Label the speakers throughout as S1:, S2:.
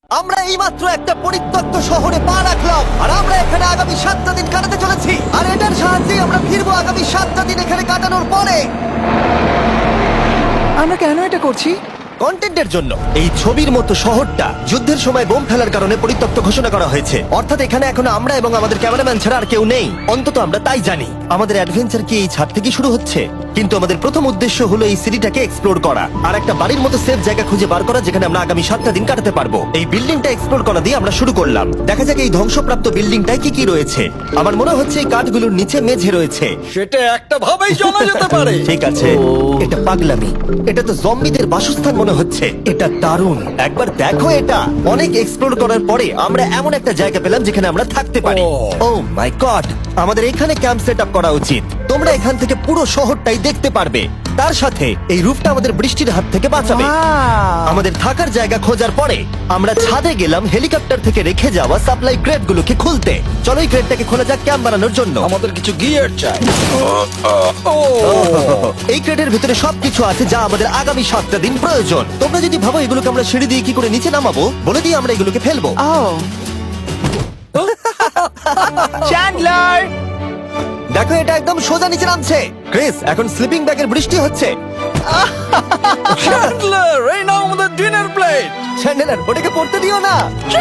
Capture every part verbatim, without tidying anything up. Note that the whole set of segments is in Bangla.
S1: আমরা এইমাত্র একটা পরিত্যক্ত শহরে পা রাখলাম আর আমরা এখানে আগামী সাতটা দিন কাটাতে চলেছি আর এটার সাহায্যে আমরা ফিরবো আগামী সাতটা দিন এখানে কাটানোর পরে।
S2: আমরা কেন এটা করছি?
S1: কন্টেন্টের জন্য। এই ছবির মতো শহরটা যুদ্ধের সময় বোম ফেলার কারণে পরিত্যক্ত ঘোষণা করা হয়েছে, অর্থাৎ এখানে এখন আমরা এবং আমাদের ক্যামেরাম্যান ছাড়া আর কেউ নেই। অন্তত আমরা তাই জানি। আমাদের অ্যাডভেঞ্চার কি এই ছাদ থেকে শুরু হচ্ছে? কিন্তু আমাদের প্রথম উদ্দেশ্য হলো এই সিটিটাকে এক্সপ্লোর করা আর একটা বাড়ির মতো সেফ জায়গা খুঁজে বার করা যেখানে আমরা আগামী সাতটা দিন কাটাতে পারবো। এই বিল্ডিংটা এক্সপ্লোর করা দিয়ে আমরা শুরু করলাম। দেখা যাক এই ধ্বংসপ্রাপ্ত বিল্ডিংটায় কি কি রয়েছে। আমার মনে হচ্ছে এই কাঠগুলোর নিচে মেঝে রয়েছে।
S3: সেটা একটা ভাবেই জানা যেতে পারে।
S1: ঠিক আছে, এটা পাগলামি। এটা তো জম্বিদের বাসস্থান মনে হচ্ছে। এটা দারুণ, একবার দেখো এটা। অনেক এক্সপ্লোর করার পরে আমরা এমন একটা জায়গা পেলাম যেখানে আমরা থাকতে পারি। ও মাই গড, আমাদের এখানে ক্যাম্প সেট আপ করা উচিত। তোমরা এখান থেকে পুরো শহরটাই দেখতে পারবে। তার সাথে এই রুফটা আমাদের বৃষ্টির হাত থেকে বাঁচাবে।
S2: Wow!
S1: আমাদের থাকার জায়গা খোঁজার পরে আমরা ছাদে গেলাম হেলিকপ্টার থেকে রেখে যাওয়া সাপ্লাই ক্রেট গুলোকে খুলতে। চলো এই ক্রেটটাকে খোলা যাক ক্যাম্প বানানোর জন্য।
S3: আমাদের কিছু গিয়ার চাই।
S1: এই ক্রেটের ভিতরে সবকিছু আছে যা আমাদের আগামী সাতটা দিন প্রয়োজন। তোমরা যদি ভাবো এগুলোকে আমরা সিঁড়ি দিয়ে কি করে নিচে নামাবো, বলে দিয়ে আমরা এগুলোকে ফেলবো।
S2: Oh! চ্যান্ডলার!
S1: দেখো এটা একদম সোজা নিচে নামছে। ক্রিস, এখন স্লিপিং ব্যাগের বৃষ্টি হচ্ছে।
S3: চ্যান্ডলার, এই নাও আমাদের ডিনার প্লেট।
S1: চ্যান্ডেলার, ওটাকে পড়তে দিও না।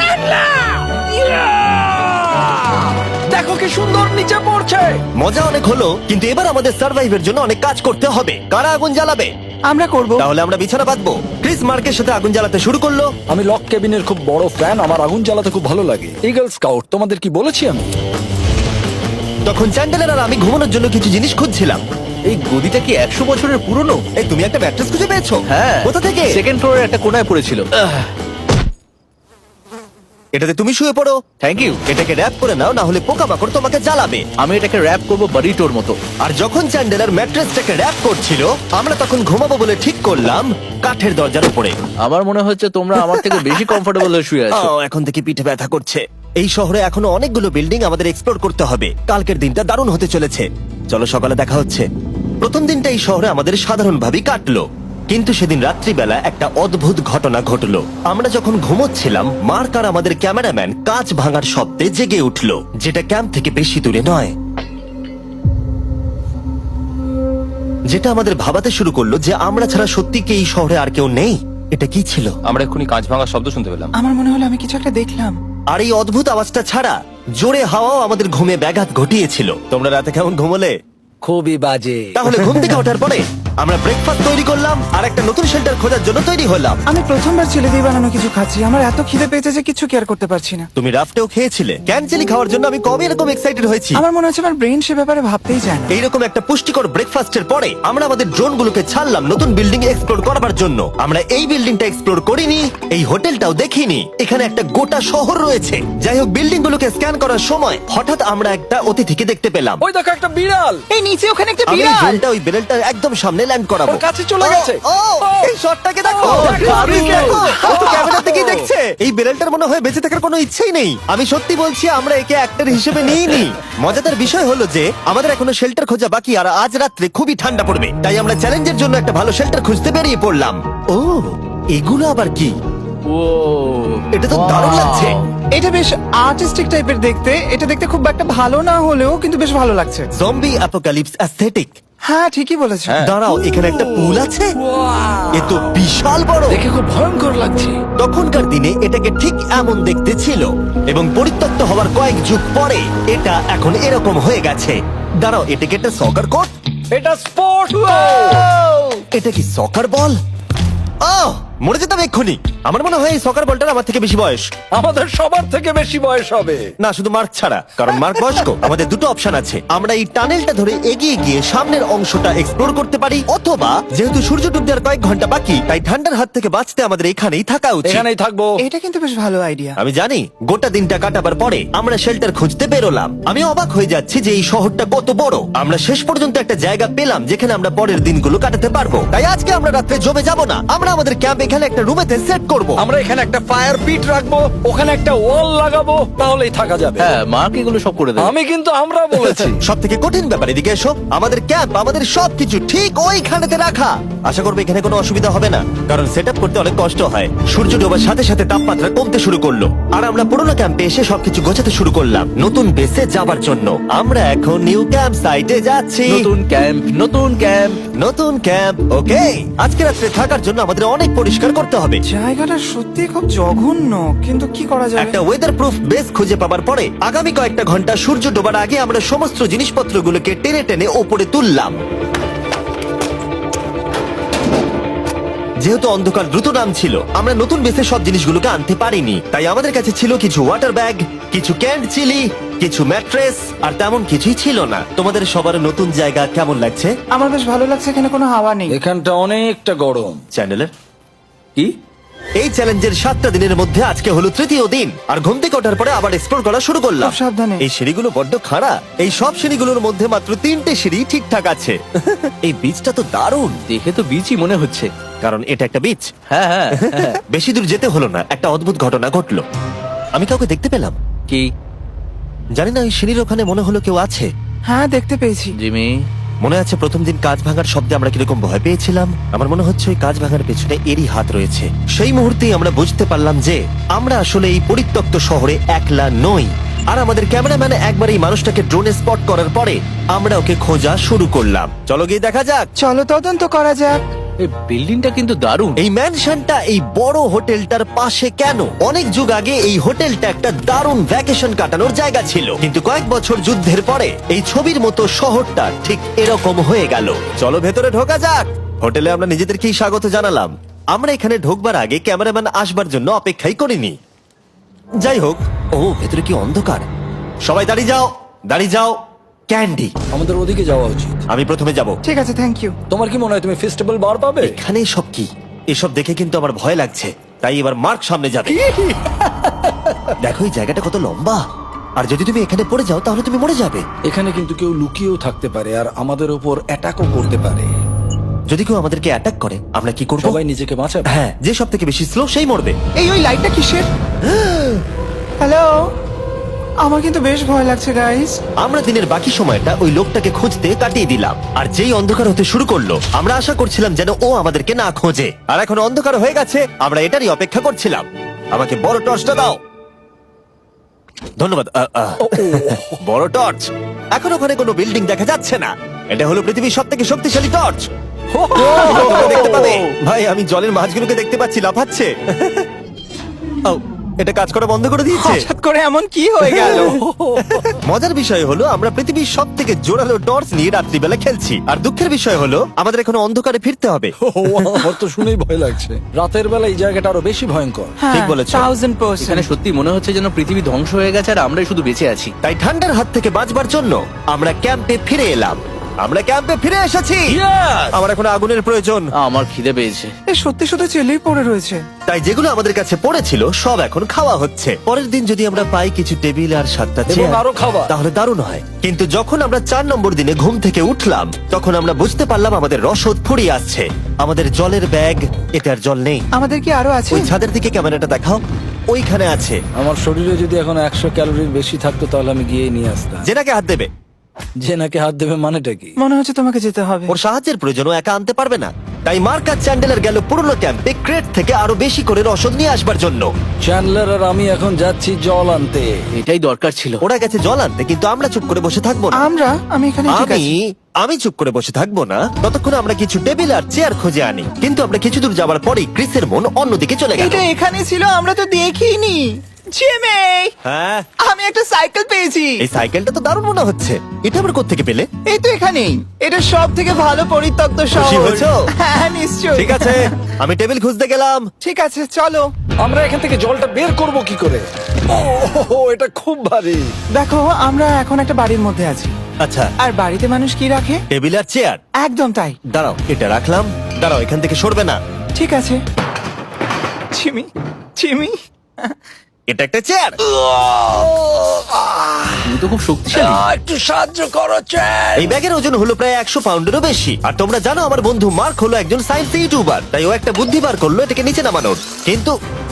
S3: দেখো কি সুন্দর নিচে পড়ছে।
S1: মজা অনেক হলো, কিন্তু এবার আমাদের সার্ভাইভের জন্য অনেক কাজ করতে হবে। কারা আগুন জ্বালাবে?
S2: আমরা করব।
S1: তাহলে আমরা বিছানা বাঁধবো। ক্রিস মার্কের সাথে আগুন জ্বালাতে শুরু করলো।
S3: আমি লক কেবিনের খুব বড় ফ্যান, আমার আগুন জ্বালাতে খুব ভালো লাগে। ইগল স্কাউট, তোমাদের কি বলেছি আমি?
S1: তখন চ্যান্ডেলার আর আমি ঘুমানোর জন্য কিছু জিনিস খুঁজছিলাম।
S4: এই গদিটা কি একশো বছরের পুরনো?
S1: এই তুমি একটা ম্যাট্রেস খুঁজে পেয়েছো?
S4: হ্যাঁ।
S1: কোথা থেকে?
S4: সেকেন্ড ফ্লোরের একটা কোনায় পড়েছিল।
S1: এটাতে তুমি শুয়ে পড়ো।
S4: Thank you.
S1: এটাকে র‍্যাপ করে নাও, না হলে পোকামাকড় তোমাকে জ্বালাবে।
S4: আমি এটাকে র‍্যাপ করব বারিটোর মতো।
S1: আর যখন চ্যান্ডেলার ম্যাট্রেসটাকে র‍্যাপ করছিল, আমরা তখন ঘুমাবো বলে ঠিক করলাম কাঠের দরজার উপরে।
S4: আমার মনে হচ্ছে তোমরা আমার থেকে বেশি কমফোর্টেবল হয়ে শুয়ে আছো।
S1: ও, এখন থেকে পিঠে ব্যথা করছে। এই শহরে এখনো অনেকগুলো বিল্ডিং আমাদের এক্সপ্লোর করতে হবে। কালকের দিনটা দারুণ হতে চলেছে। চলো সকালে দেখা হচ্ছে। প্রথম দিনটা এই শহরে আমাদের সাধারণভাবেই কাটলো, কিন্তু সেদিন রাত্রিবেলা একটা অদ্ভুত ঘটনা ঘটলো। আমরা যখন ঘুমোচ্ছিলাম, মার্ক আর আমাদের ক্যামেরাম্যান কাঁচ ভাঙার শব্দে জেগে উঠলো, যেটা ক্যাম্প থেকে বেশি দূরে নয়। যেটা আমাদের ভাবাতে শুরু করলো যে আমরা ছাড়া সত্যি কি এই শহরে আর কেউ নেই। এটা কি ছিল?
S5: আমরা এক্ষুনি কাঁচ ভাঙার শব্দ শুনতে পেলাম।
S2: আমার মনে হলো আমি কিছু একটা দেখলাম।
S1: আর এই অদ্ভুত আওয়াজটা ছাড়া জোরে হাওয়াও আমাদের ঘুমে ব্যাঘাত ঘটিয়েছিল। তোমরা রাতে কেমন ঘুমোলে?
S3: খুবই বাজে।
S1: তাহলে ঘুম থেকে ওঠার পরে আমরা ব্রেকফাস্ট তৈরি করলাম আর একটা নতুন শেল্টার খোঁজার জন্য তৈরি হলাম।
S2: আমি প্রথমবার ছেলে দিয়ে বানানো কিছু খাচ্ছি। আমার এত খিদে পেয়েছে যে কিছু কেয়ার করতে পারছি না।
S1: তুমি রাফটেও খেয়েছিলে। ক্যানচেলি খাওয়ার জন্য আমি কবে এরকম এক্সাইটেড হয়েছি।
S2: আমার মনে হচ্ছে আমার ব্রেন সে ব্যাপারে ভাবতেই চায় না।
S1: এইরকম একটা পুষ্টিকর ব্রেকফাস্টের পরে আমরা আমাদের ড্রোনগুলোকে ছাড়লাম নতুন বিল্ডিং এক্সপ্লোর করার জন্য। আমরা এই বিল্ডিংটা এক্সপ্লোর করিনি, এই হোটেলটাও দেখিনি। এখানে একটা গোটা শহর রয়েছে। যাই হোক, বিল্ডিং গুলোকে স্ক্যান করার সময় হঠাৎ আমরা একটা অতিথিকে দেখতে পেলাম।
S3: ওই দেখো একটা বিড়াল।
S2: এই নিচে ওখানে একটা
S1: আমি এই
S2: বিড়াল।
S1: ড্রোনটা ওই বেলটার একদম সামনে ল্যান্ড করাবো।
S3: ওর কাছে চলে গেছে।
S1: ও, ও, এই শটটাকে দেখো।
S3: ও, দারুণ।
S1: দেখো, ও তো ক্যামেরা থেকেই দেখছে। এই বেলটার মনে হয় বেঁচে থাকার কোনো ইচ্ছেই নেই। আমি সত্যি বলছি, আমরা একে অ্যাক্টর হিসেবে নিইনি। মজাদার বিষয় হলো যে আমাদের এখনো শেল্টার খোঁজা বাকি, আর আজ রাত্রে খুবই ঠান্ডা পড়বে। তাই আমরা চ্যালেঞ্জের জন্য একটা ভালো শেল্টার খুঁজতে বেরিয়ে পড়লাম। ও, এগুলো আবার কি?
S4: ও,
S1: এটা তো দারুণ লাগছে।
S2: এটা বেশ আর্টিস্টিক টাইপের দেখতে। এটা দেখতে খুব একটা ভালো না হলেও কিন্তু বেশ ভালো লাগছে।
S1: Zombie apocalypse aesthetic.
S2: হ্যাঁ, ঠিকই বলেছো।
S1: দাঁড়াও, এখানে একটা পুল আছে। এ তো বিশাল বড়।
S3: দেখে খুব ভয়ঙ্কর লাগছে।
S1: তখনকার দিনে এটাকে ঠিক এমন দেখতে ছিল, এবং পরিত্যক্ত হওয়ার কয়েক যুগ পরে এটা এখন এরকম হয়ে গেছে। দাঁড়াও, এটাকে একটা সকার কোর্ট।
S3: এটা স্পোর্ট।
S1: এটা কি সকার বল? আহ, মরে যেতাম এক্ষুনি। আমার মনে হয় এই সকার বলটার আমার থেকে বেশি বয়স।
S3: আমাদের সবার থেকে বেশি বয়স হবে।
S1: না, শুধু মার্ক ছাড়া, কারণ মার্ক বয়স্ক। আমাদের দুটো অপশন আছে। আমরা এই টানেলটা ধরে এগিয়ে গিয়ে সামনের অংশটা এক্সপ্লোর করতে পারি, অথবা যেহেতু সূর্য ডুবতে আর কয়েক ঘন্টা বাকি, তাই ঠান্ডার হাত থেকে বাঁচতে আমাদের এখানেই থাকা উচিত।
S3: এখানেই থাকবো।
S2: এটা কিন্তু বেশ ভালো আইডিয়া।
S1: আমি জানি। গোটা দিনটা কাটাবার পরে আমরা শেল্টার খুঁজতে বেরোলাম। আমি অবাক হয়ে যাচ্ছি যে এই শহরটা কত বড়। আমরা শেষ পর্যন্ত একটা জায়গা পেলাম যেখানে আমরা পরের দিনগুলো কাটাতে পারবো। তাই আজকে আমরা রাত্রে জমে যাব না। আমরা আমাদের ক্যাম্প এখানে একটা রুমেতে সেট করব।
S3: আমরা এখানে একটা ফায়ার পিট রাখবো, ওখানে একটা ওয়াল লাগাবো, তাহলেই থাকা যাবে।
S4: হ্যাঁ মার্ক এগুলো সব করে দেবে।
S3: আমি কিন্তু আমরা বলেছি।
S1: সব থেকে কঠিন ব্যাপার, এদিকে এসো। আমাদের ক্যাম্প, আমাদের সবকিছু ঠিক ওইখানেতে রাখা। আশা করবো এখানে কোনো অসুবিধা হবে না, কারণ সেট আপ করতে অনেক কষ্ট হয়। সূর্য ডোবার সাথে সাথে তাপমাত্রা কমতে শুরু করলো, আর আমরা পুরোনো ক্যাম্পে এসে সবকিছু গোছাতে শুরু করলাম নতুন বেসে যাবার জন্য। আমরা এখন নিউ ক্যাম্প সাইটে যাচ্ছি।
S4: নতুন ক্যাম্প, নতুন ক্যাম্প।
S1: নতুন ক্যাম্প, ওকে। আজকে রাত্রে থাকার জন্য আমাদের অনেক পরিষ্কার করতে হবে।
S2: জায়গাটা সত্যি খুব জঘন্য, কিন্তু কি করা যাবে?
S1: একটা ওয়েদার প্রুফ বেস খুঁজে পাবার পরে আগামী কয়েকটা ঘন্টা সূর্য ডোবার আগে আমরা সমস্ত জিনিসপত্রগুলোকে টেনে টেনে ওপরে তুললাম। যেহেতু অন্ধকার দ্রুত নামছিল, আমরা নতুন বেসে সব জিনিসগুলোকে আনতে পারিনি, তাই আমাদের কাছে ছিল কিছু ওয়াটার ব্যাগ, কিছু ক্যান্ড চিলি, কিছু ম্যাট্রেস, আর তেমন কিছুই ছিল না। তোমাদের সবার নতুন জায়গা কেমন লাগছে?
S2: আমার বেশ ভালো লাগছে, এখানে কোনো হাওয়া নেই।
S3: এখানটা অনেকটা গরম।
S1: চ্যানেলের
S4: কি?
S1: এই চ্যালেঞ্জের সাতটা দিনের মধ্যে আজকে হলো তৃতীয় দিন, আর ঘুম থেকে ওঠার পরে আবার এক্সপ্লোর করা শুরু করলাম।
S2: খুব সাবধানে।
S1: এই সিঁড়িগুলো বড্ড খাড়া। এই সব সিঁড়িগুলোর মধ্যে মাত্র তিনটে সিঁড়ি ঠিকঠাক আছে। এই বীজটা তো দারুণ,
S4: দেখে তো বিচই মনে হচ্ছে।
S1: কারণ এটা একটা বীজ।
S4: হ্যাঁ হ্যাঁ হ্যাঁ।
S1: বেশি দূর যেতে হলো না, একটা অদ্ভুত ঘটনা ঘটলো। আমি কাউকে দেখতে পেলাম,
S4: কি?
S1: জানি না, ওই সিঁড়ির ওখানে মনে হলো কেউ আছে।
S2: হ্যাঁ, দেখতে পেয়েছি।
S4: জিমি,
S1: মনে আছে প্রথম দিন কাঁচ ভাঙার শব্দে আমরা কিরকম ভয় পেয়েছিলাম? আমার মনে হচ্ছে ওই কাঁচ ভাঙার পেছনে এরই হাত রয়েছে। সেই মুহূর্তেই আমরা বুঝতে পারলাম যে আমরা আসলে এই পরিত্যক্ত শহরে একলা নই। আর আমাদের ক্যামেরাম্যান একবার এই মানুষটাকে ড্রোনে স্পট করার পরে আমরা ওকে খোঁজা শুরু করলাম। চলো গিয়ে দেখা যাক।
S2: চলো তদন্ত করা যাক।
S4: এই বিল্ডিংটা কিন্তু দারুণ।
S1: এই ম্যানশনটা এই বড় হোটেলটার পাশে কেন? অনেক যুগ আগে এই হোটেলটা একটা দারুণ ভ্যাকেশন কাটানোর জায়গা ছিল, কিন্তু কয়েক বছর যুদ্ধের পরে এই ছবির মতো শহরটা ঠিক এরকম হয়ে গেল। চলো ভেতরে ঢোকা যাক। হোটেলে আমরা নিজেদেরকেই স্বাগত জানালাম। আমরা এখানে ঢোকবার আগে ক্যামেরাম্যান আসবার জন্য অপেক্ষাই করিনি। যাই হোক, ও ভেতরে কি অন্ধকার। সবাই দাঁড়িয়ে যাও, দাঁড়িয়ে যাও। ক্যান্ডি,
S3: আমাদের ওদিকে যাওয়া উচিত।
S1: আমি প্রথমে যাব।
S2: ঠিক আছে, থ্যাংক ইউ।
S3: তোমার কি মনে হয় তুমি ফেস্টিভ্যাল বার পাবে?
S1: এখানে সব কি? এসব দেখে কিন্তু আমার ভয় লাগছে, তাই এবার মার্ক সামনে যাবে। দেখো এই জায়গাটা কত লম্বা, আর যদি তুমি এখানে পড়ে যাও তাহলে তুমি মরে যাবে।
S3: এখানে কিন্তু কেউ লুকিয়েও থাকতে পারে আর আমাদের উপর অ্যাটাকও করতে পারে।
S1: যদি কেউ আমাদেরকে অ্যাটাক করে আমরা কি করব?
S3: সবাই নিজেকে বাঁচাবে।
S1: হ্যাঁ, যে সব থেকে বেশি স্লো সেই মরবে।
S2: এই ওই লাইটটা কিসের? হ্যালো, আমার কিন্তু বেশ ভয় লাগছে গাইস।
S1: আমরা দিনের বাকি সময়টা ওই লোকটাকে খুঁজতে কাটিয়ে দিলাম, আর যেই অন্ধকার হতে শুরু করলো আমরা আশা করছিলাম যেন ও আমাদেরকে না খোঁজে। আর এখন অন্ধকার হয়ে গেছে, আমরা এটারই অপেক্ষা করছিলাম। আমাকে বড় টর্চটা দাও। ধন্যবাদ। আ, আ। বড় টর্চ। এখন ওখানে কোনো বিল্ডিং দেখা যাচ্ছে না। এটা হলো পৃথিবীর সব থেকে শক্তিশালী টর্চ। তোমরা দেখতে পাবে। ভাই, আমি জলের মাছগুলোকে দেখতে পাচ্ছি লাফাচ্ছে। ও, এটা কাজ করা বন্ধ করে দিয়েছে।
S2: হঠাৎ করে এমন কি হয়ে গেল?
S1: মজার বিষয় হলো আমরা পৃথিবীর সব থেকে জোরালো টর্চ নিয়ে রাত্রিবেলা খেলছি, আর দুঃখের বিষয় হলো আমাদের এখন অন্ধকারে ফিরতে হবে।
S3: আমার তো শুনেই ভয় লাগছে। রাতের বেলা এই জায়গাটা আরো বেশি ভয়ঙ্কর।
S1: ঠিক বলেছো।
S2: থাউজেন্ড
S4: এখানে
S2: পার্সেন্ট।
S4: সত্যি মনে হচ্ছে যেন পৃথিবী ধ্বংস হয়ে গেছে আর আমরাই শুধু বেঁচে আছি।
S1: তাই ঠান্ডার হাত থেকে বাঁচবার জন্য আমরা ক্যাম্পে ফিরে এলাম। আমরা ক্যাম্পে ফিরে এসেছি। আমার এখন আগুনের প্রয়োজন,
S4: আমার খিদে পেয়েছে।
S2: এ সত্যি সত্যি চেলেই পড়ে রয়েছে।
S1: তাই যেগুলো আমাদের কাছে পড়েছিল সব এখন খাওয়া হচ্ছে। পরের দিন যদি আমরা পাই কিছু টেবিল আর সাতটা
S3: এবং
S1: চেয়ার,
S3: আরো খাবার।
S1: তাহলে দারুণ হয়। কিন্তু যখন আমরা চার নম্বর দিনে ঘুম থেকে উঠলাম তখন আমরা বুঝতে পারলাম আমাদের রসদ ফুরিয়ে আসছে। আমাদের জলের ব্যাগ, এতে আর জল নেই।
S2: আমাদের কি আরো আছে?
S1: ওই ছাদের দিকে ক্যামেরাটা দেখাও, ওইখানে আছে।
S3: আমার শরীরে যদি এখন একশো ক্যালোরির বেশি থাকতো তাহলে আমি গিয়ে নিয়ে আসতাম।
S1: জেনাকে হাত দেবে।
S3: যে নাকি হাত দেবে মানেটা কি?
S2: মনে হচ্ছে তোমাকে যেতে হবে।
S1: ওর সাহায্যের প্রয়োজন, ও একা আনতে পারবে না। তাই মার্ক আর চ্যান্ডেলার গেল পুরনো ক্যাম্পে ক্রেট থেকে আরো বেশি করে রসদ নিয়ে আসবার জন্য।
S3: চ্যান্ডলার আর আমি এখন যাচ্ছি জল আনতে।
S4: এটাই দরকার ছিল।
S1: ওরা গেছে জল আনতে, কিন্তু আমরা চুপ করে বসে থাকবো না।
S2: আমরা আমি এখানে ঠিক
S1: আমি
S2: আছি।
S1: আমি চুপ করে বসে থাকবো না ততক্ষণ আমরা কিছু টেবিল আর চেয়ার খুঁজে আনি। কিন্তু আমরা কিছু দূর যাবার পরেই ক্রিসের মন অন্যদিকে চলে গেল।
S2: এটা এখানে ছিল, আমরা তো দেখিনি। জিমি,
S1: হ্যাঁ,
S2: আমি একটা সাইকেল পেয়েছি।
S1: এই সাইকেলটা তো দারুণ মনে হচ্ছে। এটা আমরা কোত্থেকে পেলে?
S2: এই তো এখানেই। এটা সব থেকে ভালো পরিত্যক্ত
S1: খুশি
S2: শহর।
S1: হয়েছো?
S2: হ্যাঁ, নিশ্চয়ই।
S1: ঠিক আছে, আমি টেবিল খুঁজতে গেলাম।
S2: ঠিক আছে, চলো।
S3: আমরা এখান থেকে জলটা বের করব কি করে? ও, এটা খুব ভারী।
S2: দেখো, আমরা এখন একটা বাড়ির মধ্যে আছি।
S1: আচ্ছা,
S2: আর বাড়িতে মানুষ কি রাখে?
S1: টেবিল আর চেয়ার।
S2: একদম তাই।
S1: দাঁড়াও, এটা রাখলাম। দাঁড়াও, এখান থেকে সরবে না।
S2: ঠিক আছে। চিমি, চিমি,
S1: এটা একটা চেয়ার।
S4: তুমি তো খুব শক্তিশালী।
S3: একটু সাহায্য করো চ্যান।
S1: এই ব্যাগের ওজন হলো প্রায় একশো পাউন্ডেরও বেশি। আর তোমরা জানো আমার বন্ধু মার্ক হলো একজন সায়েন্স ইউটিউবার, তাই ও একটা বুদ্ধি বার করলো এটাকে নিচে নামানোর। কিন্তু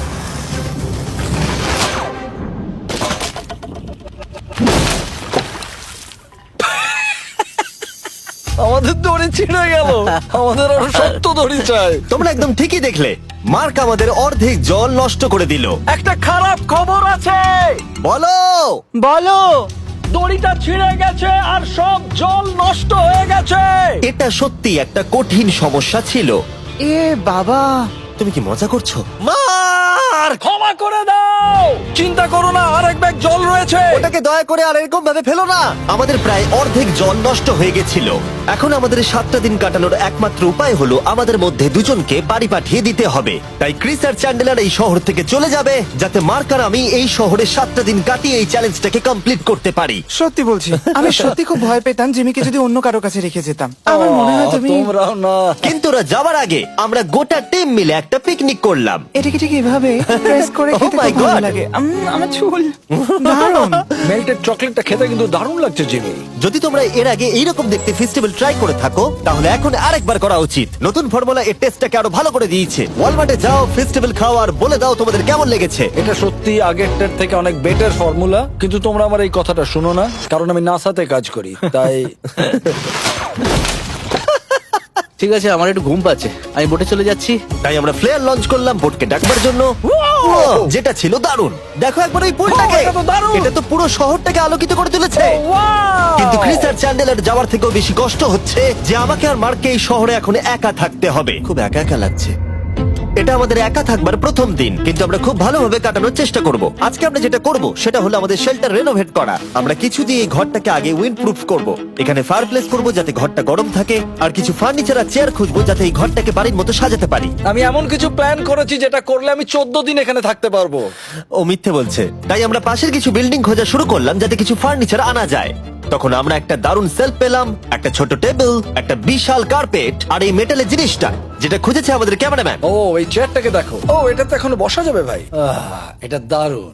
S3: আমাদের দড়ি ছিঁড়ে গেল। আমাদের আরো শক্ত দড়ি চাই।
S1: তোমরা একদম ঠিকই দেখলে, মার্ক আমাদের অর্ধেক জল নষ্ট করে দিল।
S3: একটা খারাপ খবর আছে,
S1: বলো।
S2: বলো।
S3: দড়িটা ছিঁড়ে গেছে আর সব জল নষ্ট হয়ে গেছে।
S1: এটা সত্যি একটা কঠিন সমস্যা ছিল।
S2: এ বাবা,
S1: তুমি কি মজা করছো? মার্ক,
S3: ক্ষমা করে দাও। চিন্তা করো না, আরেক ব্যাগ জল রয়েছে।
S1: ওটাকে দয়া করে আর এরকম ভাবে ফেলো না। আমাদের প্রায় অর্ধেক জল নষ্ট হয়ে গেছিল। এখন আমাদের সাতটা দিন কাটানোর একমাত্র উপায় হলো আমাদের মধ্যে দুজনকে বাড়ি পাঠিয়ে দিতে হবে। তাই ক্রিস আর চ্যান্ডেলার এই শহর থেকে চলে যাবে, যাতে মার্ক আর আমি এই শহরে সাতটা দিন কাটিয়ে এই চ্যালেঞ্জটাকে কমপ্লিট করতে পারি।
S2: সত্যি বলছি, আমি সত্যি খুব ভয় পেতাম জিমিকে যদি অন্য কারো কাছে রেখে যেতাম। আমার মনে হয় তুমি
S3: তোমরাও না।
S1: কিন্তু ওরা যাওয়ার আগে আমরা গোটা টিম মিলে একটা পিকনিক করলাম।
S2: এটাকে ঠিক এভাবে প্রেস করে
S1: Oh
S2: খেতে
S1: my
S2: খুব ভালো
S1: God!
S2: লাগে। উম, আমার চুল দারুণ।
S3: মেল্টেড চকলেটটা খেতে কিন্তু দারুণ লাগছে জিমি।
S1: যদি তোমরা এর আগে এইরকম দেখতে ফেস্টিভ্যাল ট্রাই করে থাকো, তাহলে এখন আরেকবার করা উচিত। নতুন ফর্মুলা এর টেস্টটাকে আরো ভালো করে দিয়েছে। ওয়ালমার্টে যাও, ফেস্টিভ্যাল খাও আর বলে দাও তোমাদের কেমন লেগেছে।
S3: এটা সত্যি আগেরটার থেকে অনেক বেটার ফর্মুলা, কিন্তু তোমরা আমার এই কথাটা শুনো না, কারণ আমি নাসাতে কাজ করি, তাই
S4: ঠিক আছে, আমার একটু ঘুম পাচ্ছে, আমি বোটে চলে যাচ্ছি।
S1: তাই আমরা ফ্লেয়ার লঞ্চ করলাম বোটকে ডাকবার জন্য, যেটা ছিল দারুণ। দেখো একবার ওই পুলটাকে,
S3: Wow, এটা তো দারুণ!
S1: এটা তো পুরো শহরটাকে আলোকিত করে তুলেছে। কিন্তু ক্রিস আর চ্যান্ডেলার যাওয়ার থেকেও বেশি কষ্ট হচ্ছে যে আমাকে আর মার্ককে এই শহরে এখন একা থাকতে হবে। খুব একা একা লাগছে। এটা আমাদের একা থাকবার প্রথম দিন, কিন্তু আমরা খুব ভালোভাবে কাটানোর চেষ্টা করব। আজকে আমরা যেটা করব সেটা হলো আমাদের শেল্টার রেনোভেট করা। আমরা কিছু দিয়ে এই ঘরটাকে আগে উইন্ড প্রুফ করব। এখানে ফায়ারপ্লেস করব যাতে ঘরটা গরম থাকে, আর কিছু ফার্নিচার আর চেয়ার খুঁজবো যাতে এই ঘরটাকে বাড়ির মতো সাজাতে পারি।
S3: আমি এমন কিছু প্ল্যান করেছি যেটা করলে আমি চোদ্দ দিন এখানে থাকতে পারবো।
S1: ও মিথ্যে বলছে। তাই আমরা পাশের কিছু বিল্ডিং খোঁজা শুরু করলাম যাতে কিছু ফার্নিচার আনা যায়। তখন আমরা একটা দারুণ সেলফ পেলাম, একটা ছোট টেবিল, একটা বিশাল কার্পেট আর এই মেটালের জিনিসটা যেটা খুঁজেছে আমাদের ক্যামেরাম্যান।
S3: ও এই চেয়ারটাকে দেখো, ও এটা তো এখনো বসা যাবে ভাই। আহ, এটা দারুণ।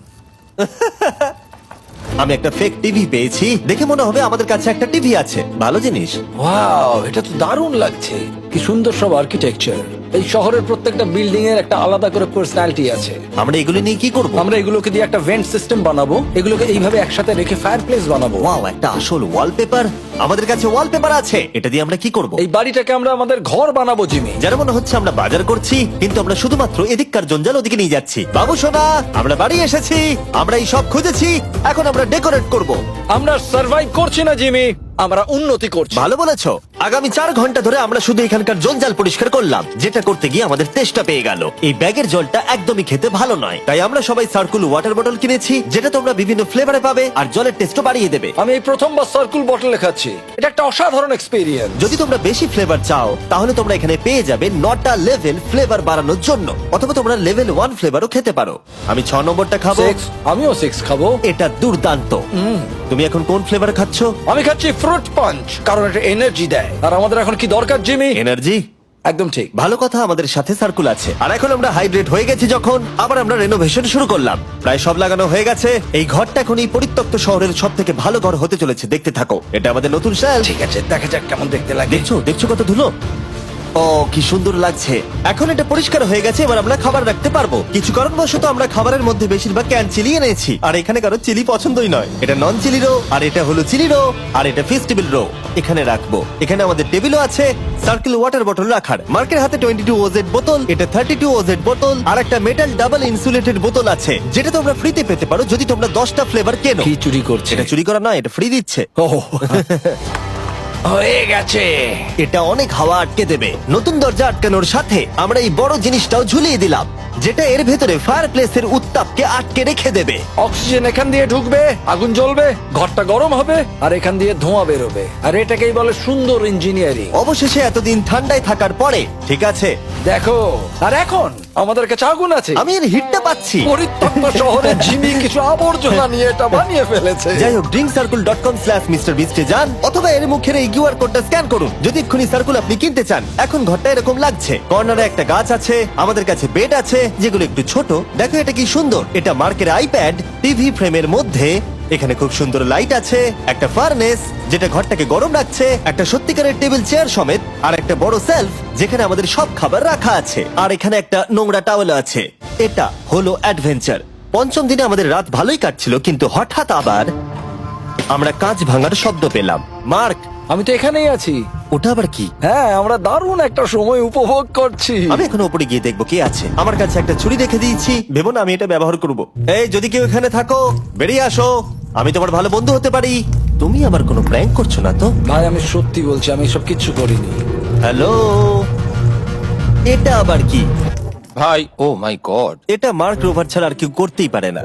S1: আমি একটা ফেক টিভি পেয়েছি, দেখে মনে হবে আমাদের কাছে একটা টিভি আছে। ভালো জিনিস।
S3: ওয়াও, এটা তো দারুণ লাগছে। কি সুন্দর সব আর্কিটেকচার। এই শহরের প্রত্যেকটা বিল্ডিং এর একটা আলাদা করে পার্সোনালিটি আছে।
S1: আমরা এগুলো নিয়ে কি করব?
S3: আমরা এগুলোকে দিয়ে একটা ভেন্ট সিস্টেম বানাবো, এগুলোকে এইভাবে একসাথে রেখে ফায়ারপ্লেস বানাবো।
S1: ওয়াও, একটা আসল ওয়ালপেপার। আমাদের কাছে ওয়ালপেপার আছে, এটা দিয়ে আমরা কি করব?
S3: এই বাড়িটাকে আমরা আমাদের ঘর বানাবো জিমি।
S1: যার মনে হচ্ছে আমরা বাজার করছি, কিন্তু আমরা শুধুমাত্র এদিককার জঞ্জাল ওদিকে নিয়ে যাচ্ছি। বাবু সোনা, আমরা বাড়ি এসেছি, আমরা এই সব খুঁজেছি, এখন আমরা ডেকোরেট করব।
S3: আমরা সার্ভাইভ করছি না জিমি, আমরা উন্নতি করছি।
S1: ভালো বলেছো। আগামী চার ঘন্টা ধরে আমরা শুধু এখানকার জঞ্জাল পরিষ্কার করলাম, যেটা করতে গিয়ে আমাদের তেষ্টা পেয়ে গেল। এই ব্যাগের জলটা একদমই খেতে ভালো নয়, তাই আমরা সবাই সার্কুল ওয়াটার বটল কিনেছি, যেটা তোমরা বিভিন্ন ফ্লেভারে পাবে আর জলের টেস্টও বাড়িয়ে দেবে।
S3: আমি এই প্রথমবার সার্কুল বটলে খাচ্ছি, এটা একটা অসাধারণ এক্সপেরিয়েন্স।
S1: যদি তোমরা বেশি ফ্লেভার চাও, তাহলে তোমরা এখানে পেয়ে যাবে নটা লেভেল ফ্লেভার বাড়ানোর জন্য, অথবা তোমরা লেভেল ওয়ান ফ্লেভারও খেতে পারো। আমি ছ নম্বরটা খাবো।
S3: সিক্স, আমিও সিক্স খাবো।
S1: এটা দুর্দান্ত। তুমি এখন কোন ফ্লেভার খাচ্ছ?
S3: আমি খাচ্ছি ফ্রুট পাঞ্চ, কারণ এটা এনার্জি দেয়। আর আমাদের এখন কি দরকার জিমি?
S1: এনার্জি।
S3: একদম ঠিক।
S1: ভালো কথা, আমাদের সাথে সার্কুল আছে। আর এখন আমরা হাইড্রেট হয়ে গেছি যখন, আবার আমরা রেনোভেশন শুরু করলাম। প্রায় সব লাগানো হয়ে গেছে। এই ঘরটা এখন এই পরিত্যক্ত শহরের সব থেকে ভালো ঘর হতে চলেছে। দেখতে থাকো, এটা আমাদের নতুন শেল।
S3: ঠিক আছে, দেখা যাক কেমন দেখতে লাগে।
S1: দেখছো দেখছো কত ধুলো। ও কি সুন্দর লাগছে। এখন এটা পরিষ্কার হয়ে গেছে, এবার আমরা খাবার রাখতে পারবো। কিছু কারণবশত আমরা খাবারের মধ্যে বেশিরভাগ ক্যান চিলি এনেছি, আর এখানে কারো চিলি পছন্দই নয়। এটা নন চিলি রো, আর এটা হলো চিলি রো, আর এটা ফেস্টিভ্যাল রো। এখানে রাখবো। এখানে আমাদের টেবিলও আছে, সার্কেল ওয়াটার বটল রাখার। মার্কের হাতে টোয়েন্টি টু ওজেড বোতল, এটা থার্টি টু ওজেড বোতল, আর একটা মেটাল ডাবল ইনসুলেটেড বোতল আছে, যেটা তোমরা ফ্রিতে পেতে পারো যদি তোমরা দশটা ফ্লেভার কেনো।
S3: কি চুরি করছে?
S1: এটা চুরি করা নয়, এটা ফ্রি দিচ্ছে।
S3: ও হয়ে গেছে।
S1: এটা অনেক হাওয়া আটকে দেবে। নতুন দরজা আটকানোর সাথে আমরা এই বড় জিনিসটাও ঝুলিয়ে দিলাম, যেটা এর ভেতরে ফায়ারপ্লেসের উত্তাপকে আটকে রেখে দেবে।
S3: অক্সিজেন এখান দিয়ে ঢুকবে, আগুন জ্বলবে, ঘরটা গরম হবে, আর এখান দিয়ে ধোঁয়া বেরোবে। আর এটাকেই বলে সুন্দর ইঞ্জিনিয়ারিং।
S1: অবশেষে এতদিন ঠান্ডায় থাকার পরে ঠিক আছে।
S3: দেখো, আর এখন আমাদের কাছে আগুন আছে।
S1: আমি এর হিটটা পাচ্ছি।
S3: পরিত্যক্ত শহরে জিমি কিছু আবর্জনা নিয়ে এটা বানিয়ে ফেলেছে।
S1: যাই হোক, drink circle dot com slash mister বিস্টে যান, অথবা এর মুখের এই কিউআর কোডটা স্ক্যান করুন যদি এক্ষুনি সার্কুল আপনি কিনতে চান। এখন ঘরটা এরকম লাগছে। কর্নারে একটা গাছ আছে, আমাদের কাছে বেড আছে, যেগুলো একটু ছোট। দেখো এটা কি সুন্দর, এটা মার্কের আইপ্যাড টিভি ফ্রেমের মধ্যে। এখানে খুব সুন্দর লাইট আছে, একটা ফার্নেস যেটা ঘরটাকে গরম রাখছে, একটা সত্যিকারের টেবিল চেয়ার সমেত, আর একটা বড় সেলফ যেখানে আমাদের সব খাবার রাখা আছে, আর এখানে একটা নোংরা টাওয়েল আছে। এটা হলো অ্যাডভেঞ্চার। পঞ্চম দিনে আমাদের রাত ভালোই কাটছিল, কিন্তু হঠাৎ আবার আমরা কাঁচ ভাঙার শব্দ পেলাম। মার্ক,
S3: আমি তো এখানেই আছি।
S1: ওটা আবার কি?
S3: হ্যাঁ, আমরা দারুণ একটা সময় উপভোগ করছি।
S1: আমি এখন উপরে গিয়ে দেখবো কি আছে। আমার কাছে একটা ছুরি রেখে দিয়েছি, ভেবো না আমি এটা ব্যবহার করব। এই, যদি কেউ এখানে থাকো বেরিয়ে আসো, আমি তোমার ভালো বন্ধু হতে পারি। তুমি আমার কোনো প্র্যাঙ্ক করছো না তো?
S3: ভাই, আমি সত্যি বলছি, আমি এসব কিচ্ছু করিনি।
S1: হ্যালো, এটা আবার কি?
S5: ভাই, ও মাই গড।
S1: এটা মার্ক রোভার ছাড়া আর কেউ করতেই পারে না।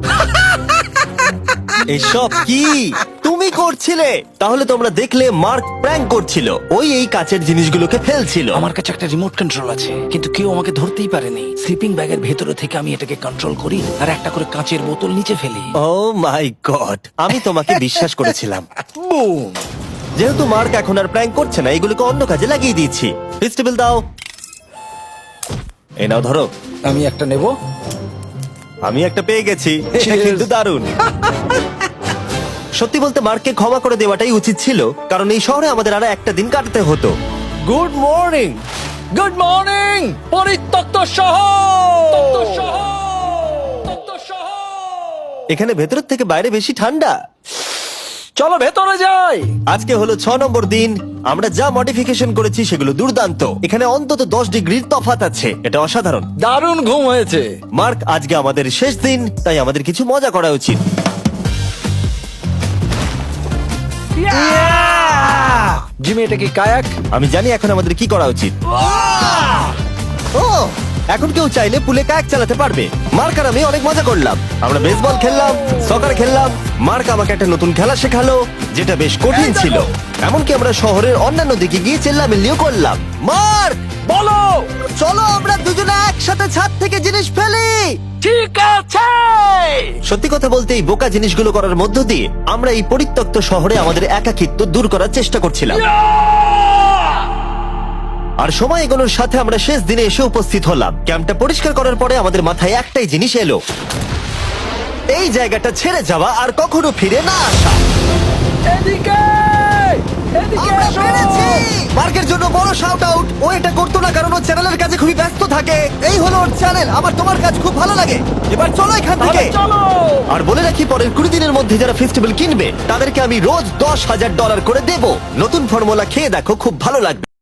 S1: এসব কি তুমি করছিলে? তাহলে তোমরা দেখলে মার্ক প্র্যাঙ্ক করছিল। ওই এই কাচের জিনিসগুলোকে ফেলছিল।
S3: আমার কাছে একটা রিমোট কন্ট্রোল আছে, কিন্তু কেউ আমাকে ধরতেই পারেনি। স্লিপিং ব্যাগের ভেতরে থেকে আমি এটাকে কন্ট্রোল করি আর একটা করে কাঁচের বোতল নিচে ফেলি।
S1: ও মাই গড, আমি তোমাকে বিশ্বাস করেছিলাম।
S3: বুম!
S1: যেহেতু মার্ক এখন আর প্র্যাঙ্ক করছে না, এগুলোকে অন্য কাজে লাগিয়ে দিয়েছি। ফেস্টিভ্যাল দাও। এই নাও, ধরো।
S3: আমি একটা নেব।
S1: আমি একটা পেয়ে গেছি,
S3: Cheers!
S1: কিন্তু দারুণ। সত্যি বলতে মার্ককে ক্ষমা করে দেওয়াটাই উচিত ছিল, কারণ এই শহরে আমাদের আরো একটা দিন কাটাতে হতো। Good morning.
S3: গুড মর্নিং, পরিত্যক্ত শহর।
S1: এখানে ভেতরের থেকে বাইরে বেশি ঠান্ডা।
S3: চলো ভেতরে যাই।
S1: আজকে হলো ছ নম্বর দিন। আমরা যা মডিফিকেশন করেছি সেগুলো দুর্দান্ত। এখানে অন্তত দশ ডিগ্রির তফাৎ আছে, এটা অসাধারণ।
S3: দারুণ ঘুম হয়েছে।
S1: মার্ক, আজকে আমাদের শেষ দিন, তাই আমাদের কিছু মজা করা উচিত।
S3: জিমি, এটা কি কায়াক?
S1: আমি জানি এখন আমাদের কি করা উচিত। ও, এখন কেউ চাইলে পুলে কায়াক চালাতে পারবে। মার্ক আর আমি অনেক মজা করলাম। আমরা বেসবল খেললাম, সকার খেললাম। মার্ক আমাকে একটা নতুন খেলা শেখালো, যেটা বেশ কঠিন ছিল। এমনকি আমরা শহরের অন্যান্য দিকে গিয়ে চেল্লামিল্লিও করলাম। মার্ক,
S3: বলো।
S1: চলো আমরা দুজনে একসাথে ছাদ থেকে জিনিস ফেলি।
S3: ঠিক আছে।
S1: সত্যি কথা বলতে এই বোকা জিনিসগুলো করার মধ্য দিয়ে আমরা এই পরিত্যক্ত শহরে আমাদের একাকিত্ব দূর করার চেষ্টা করছিলাম। আর সময় এগোনোর সাথে আমরা শেষ দিনে এসে উপস্থিত হলাম। ক্যাম্পটা পরিষ্কার করার পরে আমাদের মাথায় একটাই জিনিস এলো, এই জায়গাটা ছেড়ে যাওয়া আর কখনো ফিরে না আসা।
S3: এদিকে, এদিকে
S1: আমরা
S3: এসো।
S1: পেরেছি! মার্কের জন্য বড় শাউট আউট। ও এটা করতো না কারণ ও চ্যানেলের কাছে খুবই ব্যস্ত থাকে। এই হলো ওর চ্যানেল। আমার তোমার কাজ খুব ভালো লাগে। এবার চলো এখান থেকে।
S3: তাহলে চলো।
S1: আর বলে রাখি, পরের কুড়ি দিনের মধ্যে যারা ফেস্টিভ্যাল কিনবে তাদেরকে আমি রোজ দশ হাজার ডলার করে দেব। নতুন ফর্মুলা খেয়ে দেখো, খুব ভালো লাগবে।